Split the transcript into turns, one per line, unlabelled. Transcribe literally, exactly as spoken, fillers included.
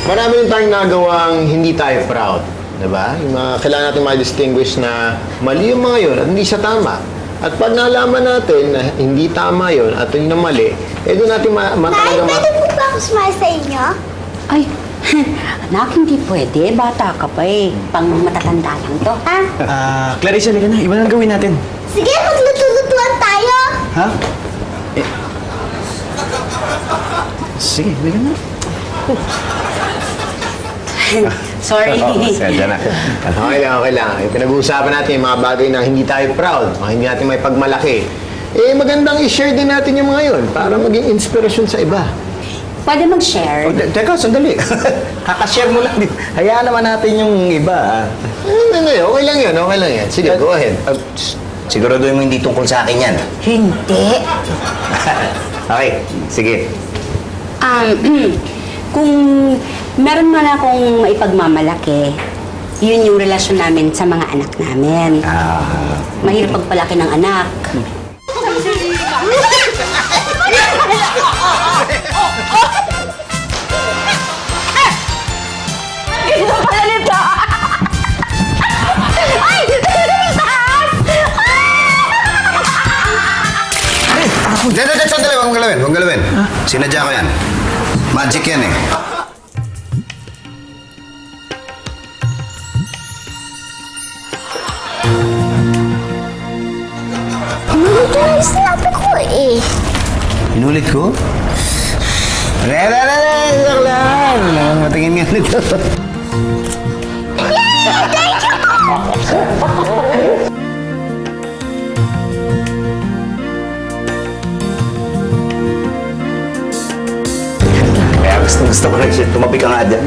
marami rin tayong nagawang hindi tayo proud. Diba? Yung mga, kailangan natin ma-distinguish na mali yung mga yun at hindi siya tama. At pag nalaman natin na hindi tama yun at yun na mali, eh doon natin ma, ma
Nay,
talaga ma...
pwede po ba ako sumali sa inyo?
Ay, anak, hindi pwede. Bata ka pa eh. Pang matatanda lang to.
Ha?
Ah, Clarissa, halika na. Iba na ang gawin natin.
Sige, magluto-lutuan tayo.
Ha? Eh... Sige, halika na.
Sorry.
Oo, sadya na.
Okay lang, okay lang. Eh, pinag-uusapan natin yung mga bagay na hindi tayo proud, mga hindi natin may pagmalaki. Eh, magandang i-share din natin yung mga yun para maging inspirasyon sa iba.
Pwede mag-share.
Oh, te- teka, sandali. Kakashare mo lang. Hayaan naman natin yung iba. ah.
Ano na yun? Okay lang yun, okay lang yan. Sige, go ahead.
Ah, s- siguraduhin mo hindi tungkol sa akin yan.
Hindi.
Okay, sige.
Um, kung meron man akong maipagmamalaki, yun yung relasyon namin sa mga anak namin.
Ah...
Mahirap pagpalaki ng anak. Ganito pala nito! Ay! Taas!
Hindi, hindi, sandali. Huwag mong galawin. Huwag mong galawin. Sinadya ko yan. Magic yan eh.
Inulit na yung sinabi ko eh.
Inulit ko? Re, re, re, re, joke lang. Matingin nga nito.
Kaya gusto, gusto ko rin siya. Tumabi ka nga dyan.